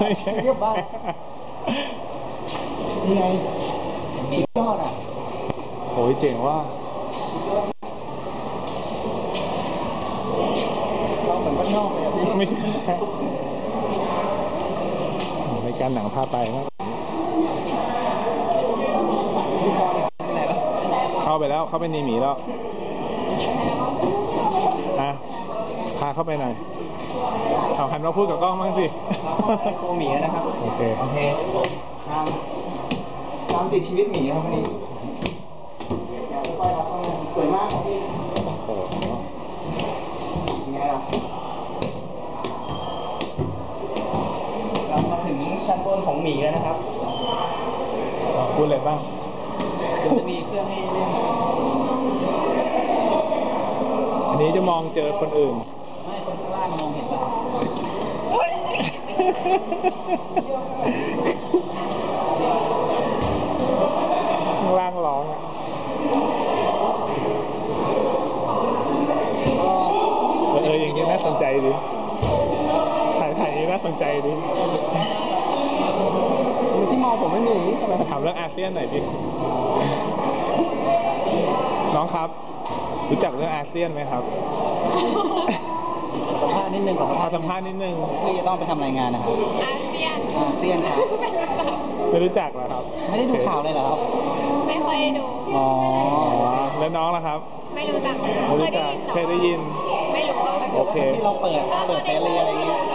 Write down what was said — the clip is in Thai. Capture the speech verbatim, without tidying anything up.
เรียบบ้านนี่ไงสุดยอดอ่ะโอ้ยเจ๋งว่าเราเหมือนบ้านนอกเลยอ่ะพี่ไม่ใช่ในการหนังพาไปนะเข้าไปแล้วเข้าไปในหมีแล้วอ่ะพาเข้าไปหน่อยเอาหันมาพูดกับกล้องบ้างสิตัวหมีนะครับโอเคโอเคตามตามติดชีวิตหมีครับวันนี้สวยมากครับพี่โอ้โหยังไงล่ะเรามาถึงชั้นบนของหมีแล้วนะครับพูดอะไรบ้างเดี๋ยวจะมีเครื่องให้เล่นอันนี้จะมองเจอคนอื่นไม่คนข้างล่างมองเห็นเราข้างล่างร้องอ่ะเอออย่างนี้น่าสนใจดิถ่ายถ่ายนี้น่าสนใจดิที่มองผมไม่มีอย่างนี้ใช่ไหมถามเรื่องอาเซียนหน่อยพี่น้องครับรู้จักเรื่องอาเซียนไหมครับสัมภาษณ์นิดนึงก่อนสัมภาษณ์นิดนึงพี่จะต้องไปทำรายงานนะครับอาเซียนอาเซียนครับไม่รู้จักเหรอครับไม่ได้ดูข่าวเลยเหรอครับไม่ค่อยดูอ๋อแล้วน้องล่ะครับไม่รู้จักไม่รู้จักเคยได้ยินไม่รู้ว่าโอเคที่เราเปิดเปิดเสรีอะไรเงี้ย